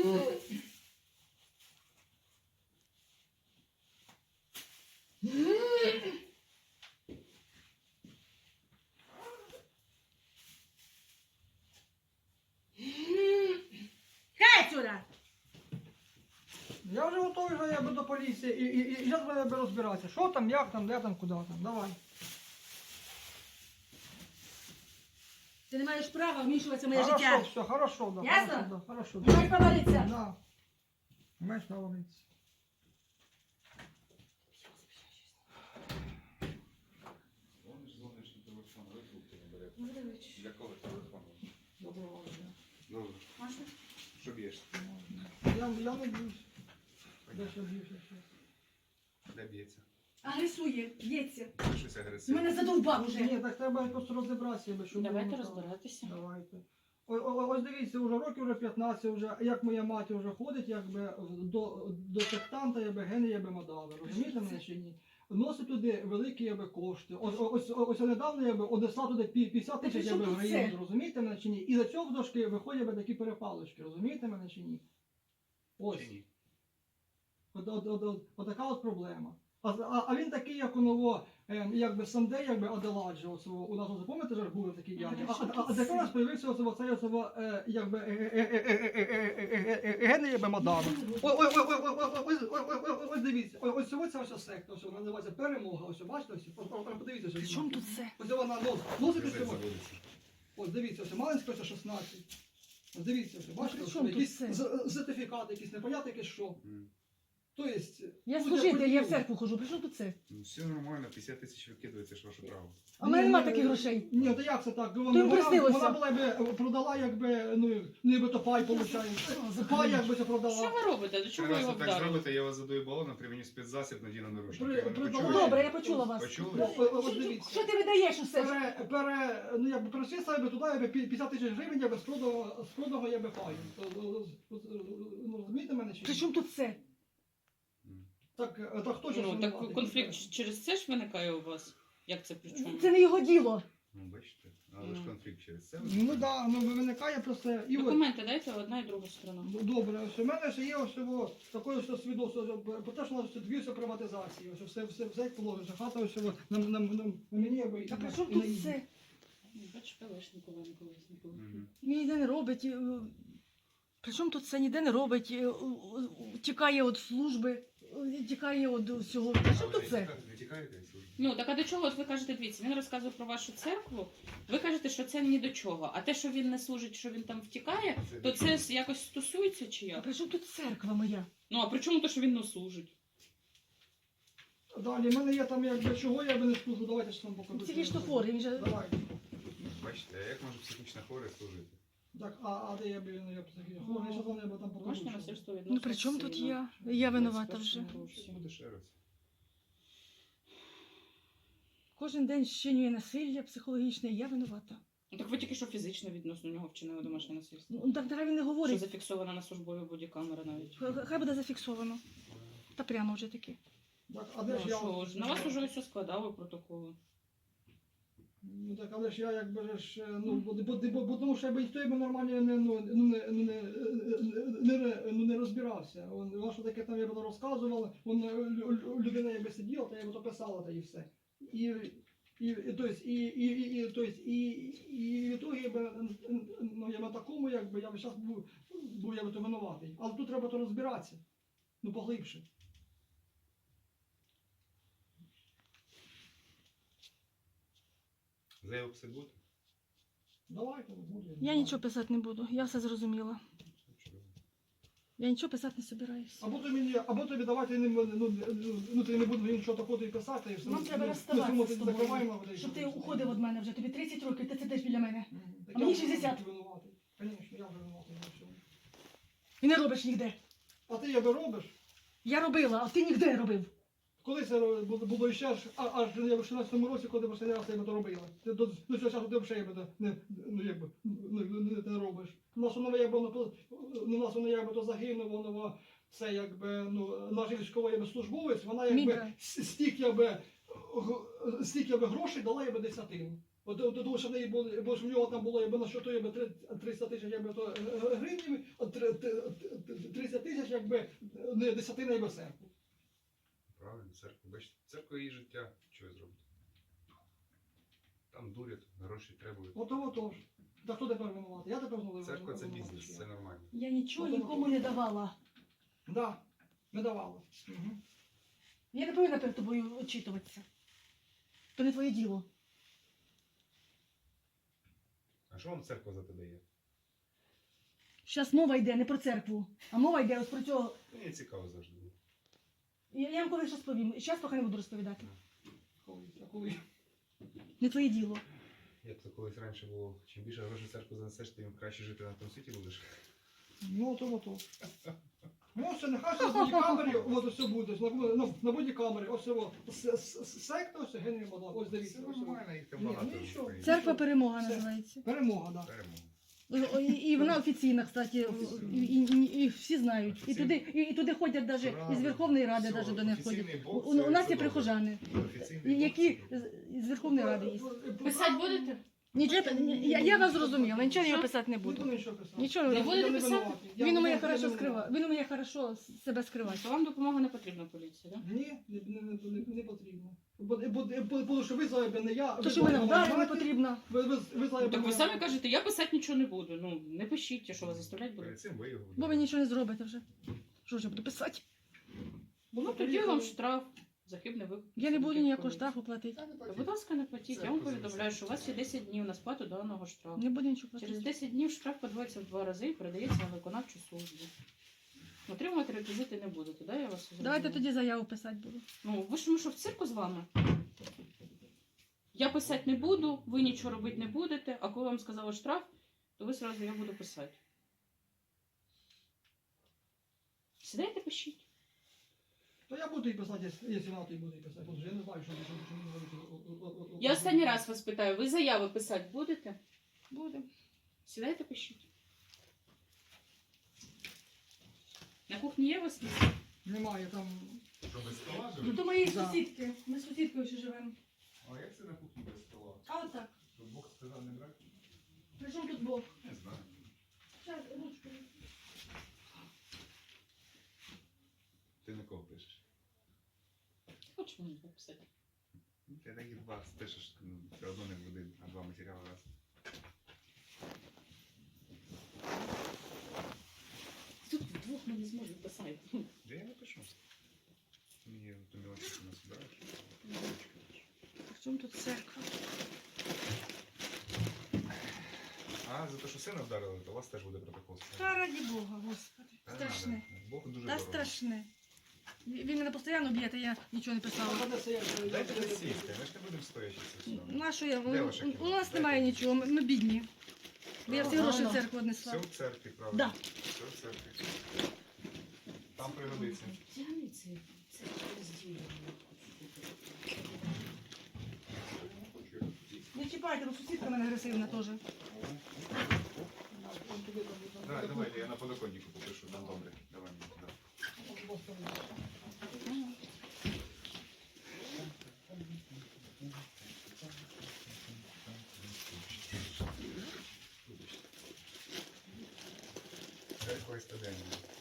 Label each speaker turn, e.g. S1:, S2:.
S1: Хай сюди!
S2: Я вже готовий вже якби до поліції і зараз треба розбиратися. Що там, як там, де там, куди там. Давай.
S1: Ти не маєш права вмішуватися в моє
S2: Хорошо,
S1: життя.
S2: все, хорошо, да.
S1: Ясно?
S2: Хорошо, да, хорошо.
S1: Не маєш права литися.
S2: Да. Маєш право литися.
S3: Дзвониш на телефон, ви трубки не берете. Для кого телефон?
S2: Доброго дня.
S3: Добре.
S1: Можна?
S3: Що б'єш?
S2: Я не б'юсь. Де що б'юся щось?
S3: Де б'ється?
S1: Агресує, б'ється.
S3: Щось
S1: Ти
S3: агресивне.
S1: мене задовбав уже.
S2: Ні, так треба просто розібратися, щоб
S4: Давайте
S2: було так.
S4: розбиратися.
S2: Давайте. Ось дивіться, вже років вже 15, вже, як моя мати вже ходить, якби до сектанта, якби гени, якби мадали. Розумієте мене чи ні? Носить туди великі якби кошти. Ось недавно якби одесла туди 50
S1: Та
S2: тисяч
S1: при чому
S2: якби
S1: тут
S2: гривень,
S1: це?
S2: розумієте мене чи ні? І за цього дошки виходять якби такі перепалочки, розумієте мене чи ні? Ось.
S3: Чи ні?
S2: Отака от проблема. А він такий, як у ново, якби Санде, якби Аделаджо, у нас, запам'ятаєте, ж був такий дядя. А тепер у нас з'явився оцей, якби, гени, якби Мадава. Ось дивіться, ось ця ось секта, ось вона називається Перемога, ось бачите, ось, подивіться.
S1: При чому тут це?
S2: Ось вона носить ось
S3: Газет
S2: цього.
S3: заводиться.
S2: Ось дивіться, ось Малинська, ось 16. Ось дивіться, ось, бачите,
S1: при
S2: ось
S1: чому тут
S2: якісь
S1: це?
S2: сертифікати, якісь непонятно, якесь що. Тобто,
S1: Я
S2: ну,
S1: служитель, я в
S2: хотів.
S1: церкву хожу. При чому тут це?
S3: Ну все нормально, 50 тисяч викидується, ж ваше право.
S1: А в мене нема таких грошей.
S2: Ні, то як це так?
S1: їм приснилося.
S2: Вона була якби продала, якби, ну, ніби то пай, виходить. Пай якби це
S4: Що
S2: продала.
S4: ви робите? До чого
S3: Три
S4: ви
S3: рази
S4: його
S3: так
S4: вдарили?
S3: зробите, я вас задую балоном, привіню спецзасіб, надіну наручники. Ви не
S2: При-
S3: почули?
S1: Добре, я почула вас.
S3: Почули?
S2: Ось дивіться.
S1: Що ти видаєш усе?
S2: Ну, якби перейшли себе туди, якби 50 тисяч гривень, якби з проданого якби паю. Ну, розумієте мене чи ні?
S1: При чому тут це?
S2: Так хто ж
S4: Ну,
S2: винуватий?
S4: так конфлікт через це ж виникає у вас? Як це при чому?
S1: Це не його діло.
S3: Ну, бачите, але ж конфлікт через це.
S2: Ну так, ну виникає просто. І от,
S4: Документи дайте одна і друга сторона.
S2: добре, ось у мене ще є ось цього таке ось свідоцтво про те, що у нас дві приватизації. Ось все як положено. Хата ось на мені якби.
S1: А при чому
S2: і на
S1: тут
S2: їй.
S1: це?
S4: Бачиш, Калашникова, не Колесникова.
S3: Мгм.
S1: Він ніде не робить. При чому тут це ніде не робить? Тікає від служби, тікає від всього. При чому тут це?
S3: Ви тікаєте від служби?
S4: Ну, так а до чого? От ви кажете, дивіться, він розказує про вашу церкву, ви кажете, що це ні до чого. А те, що він не служить, що він там втікає, то це якось стосується чи
S1: А
S4: як?
S1: при чому тут церква моя?
S4: Ну, а при чому то, що він не служить?
S2: Далі, в мене є там якби чого я би не служу, давайте ж там покажу.
S1: Психічно хворий, він же...
S2: Давайте.
S3: Бачите, а як може психічно хворий служити?
S2: Так, а де я би, ну я психічно хворий, що там я би там покажу.
S4: Домашнє
S2: що.
S4: насильство відносно
S1: Ну при чому тут
S4: сина.
S1: я? Я винувата вже.
S4: 21 році.
S3: Буде ще раз.
S1: Кожен день щинює насилля психологічне, я винувата.
S4: Ну, так ви тільки що фізично відносно нього вчинили домашнє насильство.
S1: Ну так нехай він не
S4: Що
S1: говорить.
S4: зафіксована на службовій бодікамера навіть.
S1: Хай буде зафіксовано. Та прямо вже таки.
S2: Так, а
S4: Ну,
S2: де ж я?
S4: що ж, на вас уже все складали протоколи.
S2: Ну так, але ж я якби ж, ну, бо тому що я би ніхто якби нормально не розбирався. Вона що таке там я б розказувала, людина якби сиділа, та я б то писала, та і все. І в ітогі я би, ну, я на такому, якби, я б зараз був я би то винуватий. Але тут треба то розбиратися, ну, поглибше.
S3: Заяву писати будете?
S2: Давайте, буде.
S1: Я нічого писати не буду, я все зрозуміла. Я нічого писати не собираюсь.
S2: Або тобі давайте ну ти не будеш нічого такого і писати. І все.
S1: Нам треба
S2: Ну,
S1: розставатися
S2: ми
S1: з тобою,
S2: закриваємо, і
S1: щоб
S2: все.
S1: ти уходив від мене вже. Тобі 30 років, ти сидиш біля мене.
S2: Так
S1: А мені
S2: я
S1: 60.
S2: винуватий. Звісно, я вже винуватий на всьому.
S1: І не робиш ніде.
S2: А ти якби робиш?
S1: Я робила, а ти ніде не робив.
S2: Коли це було ще аж я в 16-му році, коли останній раз я би то робила. Ти до цього часу ти взагалі не робиш. У нас воно якби то загинуло, воно це якби, ну, наш військовий якби службовець, вона якби
S1: Мідра.
S2: стільки якби грошей дала якби десятину. Тому що в неї були, бо ж в нього там було, якби на щоту, якби 300 тисяч, якби то гривень, 30 тисяч, якби не десятина, якби церкву.
S3: Правильно, церква. Бачите, церква її життя. Що ви зробите? Там дурять, гроші требують.
S2: Ото ж. Та хто тепер винуватий? Я тепер знову
S3: Церква це
S2: винуватий,
S3: бізнес,
S2: чи
S3: це
S2: я?
S3: нормально.
S1: Я нічого
S2: Ну,
S1: нікому не давала.
S2: Да, не давало. Угу.
S1: Я не повинна перед тобою очитуватися. То не твоє діло.
S3: А що вам церква за те дає?
S1: Зараз мова йде не про церкву, а мова йде ось про цього.
S3: Мені цікаво завжди було.
S1: Я вам колись розповім. І зараз поки не буду розповідати.
S2: Коли?
S1: Не твоє діло.
S3: Як то колись раніше було, чим більше грошей в церкву занесеш, тим краще жити на тому світі будеш.
S2: Ну, ото. Ну, все, нехай на бодікамері, от все буде, на бодікамері, ось цього, секта, ось Генрі Мадав, ось
S3: Все
S2: дивіться. ось цього.
S3: нормально, їх там
S2: Ні,
S3: багато.
S2: ну і що?
S3: в Україні.
S1: Церква перемога
S2: Все.
S1: називається.
S2: Перемога, да.
S3: Перемога.
S1: І вона офіційна, кстати, і всі знають. І туди ходять навіть із Верховної Ради, навіть до них ходять.
S3: Офіційний Бог,
S1: У
S3: це
S1: нас є
S3: добре.
S1: прихожани,
S3: Офіційний Бог,
S1: які
S3: це добре.
S1: з Верховної Ради є.
S4: Писати будете?
S1: Нічого, я вас зрозуміла, нічого я
S4: Що?
S1: писати не
S2: Не
S1: буду.
S2: буду нічого писати.
S1: Нічого
S4: Не
S1: не
S4: будете
S2: Я не
S4: писати?
S2: винуватий. Я
S1: Він
S2: не
S1: уміє
S2: винуватий.
S1: хорошо скривати. Він уміє хорошо себе скривати.
S4: То вам допомога не потрібна поліції, так?
S2: Ні, не потрібно. Бо що ви зайбе, не я.
S1: То, що мене вдарили, не потрібно.
S2: Ви зайбе.
S4: Так ви самі кажете, я писати нічого не буду. Ну, не пишіть, що вас заставлять буде.
S3: Перед цим ви його
S1: Бо ви нічого не зробите вже. Що ж я буду писати?
S4: Ну, тоді вам штраф за хибний виклик.
S1: Я не буду ніякого штрафу платити.
S4: Та, будь ласка, не платіть. Я вам повідомляю, що у вас є 10 днів на сплату даного штрафу.
S1: Не буду нічого
S4: Через
S1: платити.
S4: 10 днів штраф подвоїться в 2 рази і передається на виконавчу службу. Отримувати реквізити не будете, да? Я вас зрозуміла?
S1: Давайте тоді заяву писати буду.
S4: Ну, ви ж ми що, в цирку з вами? Я писати не буду, ви нічого робити не будете, а коли вам сказали штраф, то ви сразу я буду писати. Сідайте, пишіть.
S2: То я буду і писати, якщо вона, то і буду і писати. Бо я не знаю, що мені робити.
S4: Я останній раз вас питаю, ви заяви писати будете?
S1: Буде.
S4: Сідайте, пишіть. На кухні є у вас місце?
S2: Немає там.
S3: Що, без стола
S1: Ну,
S3: живе?
S1: то мої
S2: Да.
S1: сусідки. Ми з сусідкою ще живемо.
S3: А як це на кухні без стола?
S1: А от так.
S3: Що Бог сказав не брати?
S1: При чому тут Бог?
S3: Не знаю.
S1: Зараз, ручку.
S3: Ти на кого пишеш?
S4: Хочеш мені написати?
S3: Ну, ти такі два пишеш, ну, все одно не в один, а два матеріали раз.
S4: Тут вдвох ми не зможемо писати.
S3: Де я напишу? Мені ту мілочку не збираєш?
S1: При чому тут церква?
S3: А, за те, що сина вдарили, то у вас теж буде протокол.
S1: Та раді Бога, Господи.
S3: Та
S1: Страшне.
S3: надо. Бог дуже
S1: Та
S3: дорого.
S1: страшне. Він мене постійно б'є, та я нічого не писала.
S3: Дайте присісти, ми ж не будемо стоячи це все.
S1: На що я?
S3: Де ваше кіно?
S1: У нас
S3: Дайте
S1: немає
S3: мені.
S1: нічого, ми бідні. Я всі гроші в церкву
S3: Все
S1: однесла.
S3: в церкві, правда?
S1: Да.
S3: Все в церкві. Там пригодиться.
S4: Тягни це розділення.
S1: Не чіпайте, бо сусідка в мене агресивна теж.
S3: Давай, я на подоконнику попишу, там добре. Давай мені туди. Церква і стадення.